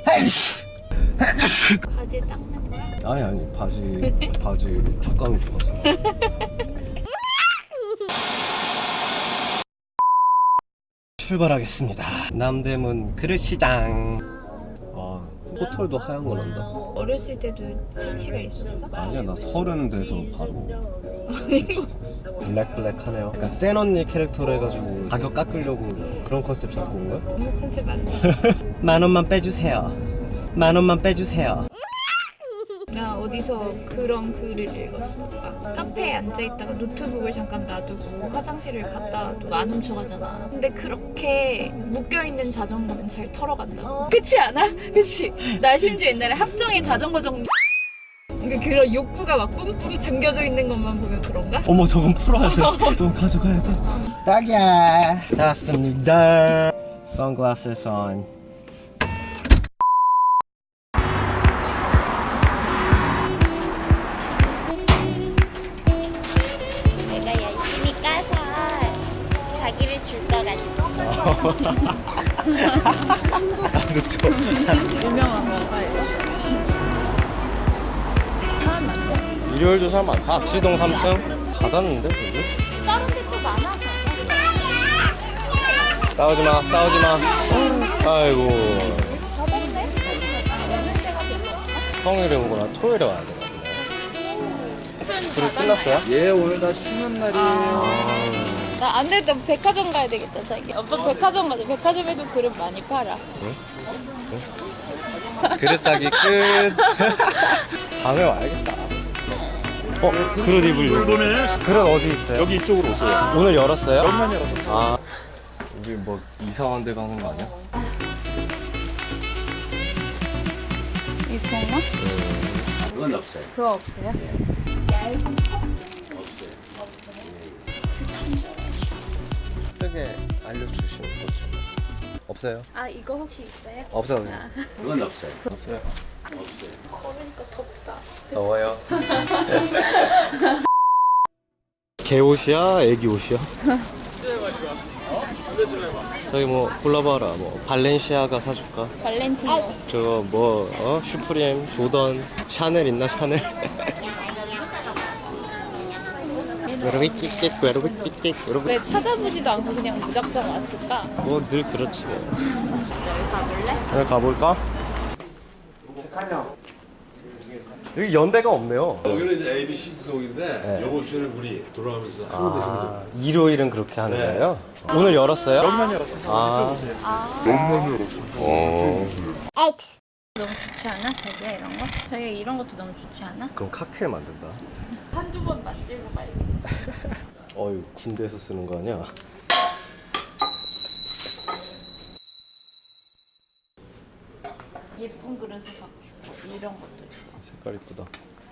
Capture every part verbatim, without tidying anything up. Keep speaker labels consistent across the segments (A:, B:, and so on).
A: 바지 닦는 거야?
B: 아니 아니 바지 바지 촉감이 좋았어. 출발하겠습니다. 남대문 그릇시장. 와 포털도 하얀 거 난다.
A: 어렸을 때도 색치가 있었어?
B: 아니야 나 서른 돼서 바로 블랙블랙하네요. 약간 센 언니 캐릭터로 해가지고 가격 깎으려고 그런 컨셉 잡고 온 거야?
A: 너무 컨셉 맞지?
B: 만 원만 빼주세요. 만 원만 빼주세요.
A: 나 어디서 그런 글을 읽었어. 막 카페에 앉아있다가 노트북을 잠깐 놔두고 화장실을 갔다 와도 안 훔쳐가잖아. 근데 그렇게 묶여있는 자전거는 잘 털어간다. 그렇지 않아? 그치? 나 심지어 옛날에 합정의 자전거 정리 그러니까 그런 욕구가 막 뿜뿜 잠겨져 있는 것만 보면 그런가?
B: 어머 저건 풀어야 돼. 너 가져가야 돼. 딱이야. 나왔습니다. Sunglasses on.
A: 내가 열심히 까서 자기를 줄 것 같지.
B: 나도 좀.
A: 유명한 건가 이거? 사람 많네.
B: 일요일도 사람 많다. 시동 삼 층 닫았는데 여기?
A: 다른 데 또 많아서.
B: 싸우지 마, 싸우지 마. 아이고.
A: 닫았네? 여는 데가 별로 없나?
B: 평일에 오거나 토요일에 와야 되나 보네. 그리고 끝났어요?
C: 예, 오늘 다 쉬는 날이에요.
A: 나 안 되겠다. 백화점 가야 되겠다, 자기. 오빠 백화점 가자. 백화점에도 그릇 많이 팔아.
B: 그릇 싸기 끝. 다음에 와야겠다. 어? 그릇 입을
C: 이번에
B: 그릇 어디 있어요?
C: 여기 이쪽으로 오세요.
B: 오늘 열었어요?
C: 여기만 열어서.
B: 아 우리 뭐 이상한 데 가는 거 아니야?
A: 이거 없나?
C: 그건 없어요.
A: 그거 없어요?
B: 크게 알려주시는 거죠. 없어요?
A: 아, 이거 혹시 있어요?
B: 없어요.
C: 그건 없어요.
B: 없어요.
A: 걸으니까 덥다.
B: 더워요. 개 옷이야? 애기 옷이야? 저기 뭐 골라봐라. 뭐 발렌시아가 사줄까?
A: 발렌티노.
B: 저거 뭐 어? 슈프림, 조던, 샤넬 있나 샤넬? 외로비 끽끽 외로비 끽끽 외로비.
A: 왜 찾아보지도 않고 그냥 무작정 왔을까?
B: 뭐 늘 그렇지 뭐.
A: 여기 가볼래?
B: 여기 가볼까? 여기 연대가 없네요.
D: 여기는 이제 에이비씨 구동인데
B: 네.
D: 이번 주에는 우리 돌아가면서 한번 되시면
B: 아, 일요일은 그렇게 하는
D: 네.
B: 거예요? 오늘 열었어요?
C: 여기만 열어서.
B: 아,
A: 너무 좋지 않아? 자기야 이런 거? 자기가 이런 것도 너무 좋지 않아?
B: 그럼 칵테일 만든다.
A: 한두 번 만들고 말겠지.
B: 어휴, 군대에서 쓰는 거 아니야?
A: 예쁜 그릇을 갖고 싶어. 이런 것도 좋아.
B: 색깔 이쁘다.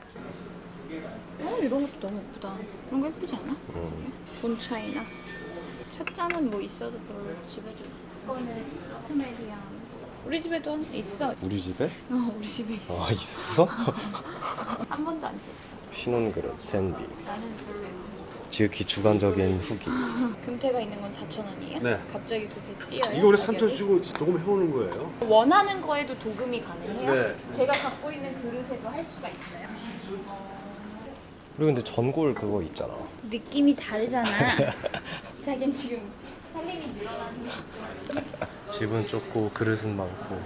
A: 어, 이런 것도 너무 예쁘다. 이런 거 예쁘지 않아?
B: 음.
A: 돈 차이나. 찻잔은 뭐 있어도 별로 집에도 있고. 이거는 아트메리안. 우리 집에도 있어.
B: 우리 집에?
A: 어, 우리 집에 있어.
B: 아, 있었어?
A: 한 번도 안 썼어.
B: 신혼 그릇, 텐비.
A: 나는 별로.
B: 지극히 주관적인 후기.
A: 금태가 있는 건 사천 원이에요?
D: 네.
A: 갑자기 그렇게 뛰어요?
D: 이거 원래 삼천
A: 가격이?
D: 주고 도금 해오는 거예요.
A: 원하는 거에도 도금이 가능해요?
D: 네.
A: 제가 갖고 있는 그릇에도 할 수가 있어요?
B: 그리고 근데 전골 그거 있잖아.
A: 느낌이 다르잖아. 자긴 지금 살림이 늘어나는 거
B: 집은 좁고 그릇은 많고.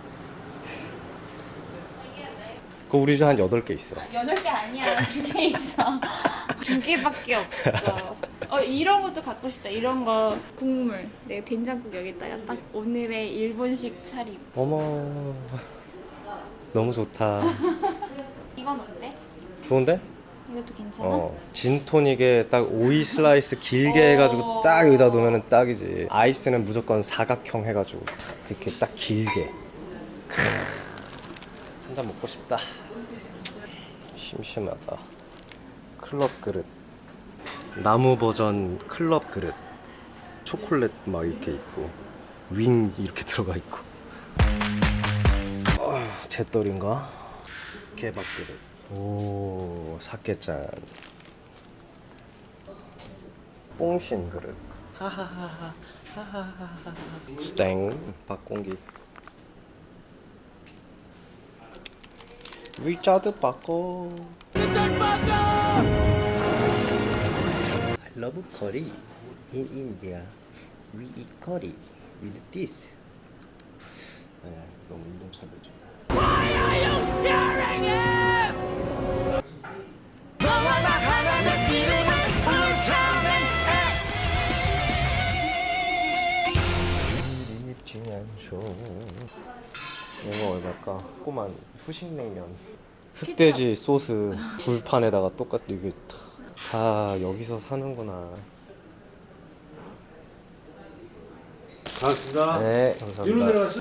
B: 그거 우리 집 한 여덟 개 있어.
A: 여덟 개 아니야. 두 개 있어. 두 개밖에 없어. 어, 이런 것도 갖고 싶다. 이런 거 국물. 내가 된장국 여기다가 딱 오늘의 일본식 차림.
B: 어머, 너무 좋다.
A: 이건 어때?
B: 좋은데?
A: 이것도 괜찮아?
B: 어, 진토닉에 딱 오이 슬라이스 길게
A: 어.
B: 해가지고 딱 여기다 놓으면 딱이지. 아이스는 무조건 사각형 해가지고 딱 이렇게 딱 길게. 한 잔 먹고 싶다. 심심하다. 클럽 그릇. 나무 버전 클럽 그릇. 초콜릿 막 이렇게 있고 윙 이렇게 들어가 있고. 어, 잿돌인가? 개밥 그릇. 오, 사케짠. 뽕신 그릇. 하하하하 하하하하. 스탱. 박공기. 위짜드 바꿔. I love curry. In India, we eat curry with this. 아, 너무 운동차별적. 이거 얼마일까? 꼬만 후식냉면. 흑돼지 소스 불판에다가 똑같이 이게 다, 다 여기서 사는구나.
D: 반갑습니다.
B: 네,
D: 뒤로
B: 감사합니다.
D: 내려가시.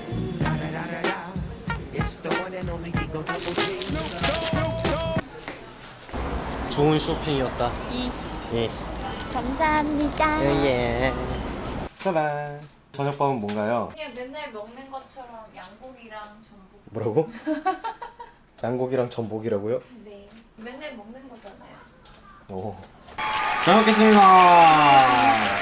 B: 좋은 쇼핑이었다.
A: 이
B: 예.
A: 감사합니다.
B: 예. 짜란. 저녁밥은 뭔가요?
A: 그냥 맨날 먹는 것처럼 양고기랑 전복.
B: 뭐라고? 양고기랑 전복이라고요?
A: 네. 맨날 먹는 거잖아요.
B: 오. 잘 먹겠습니다.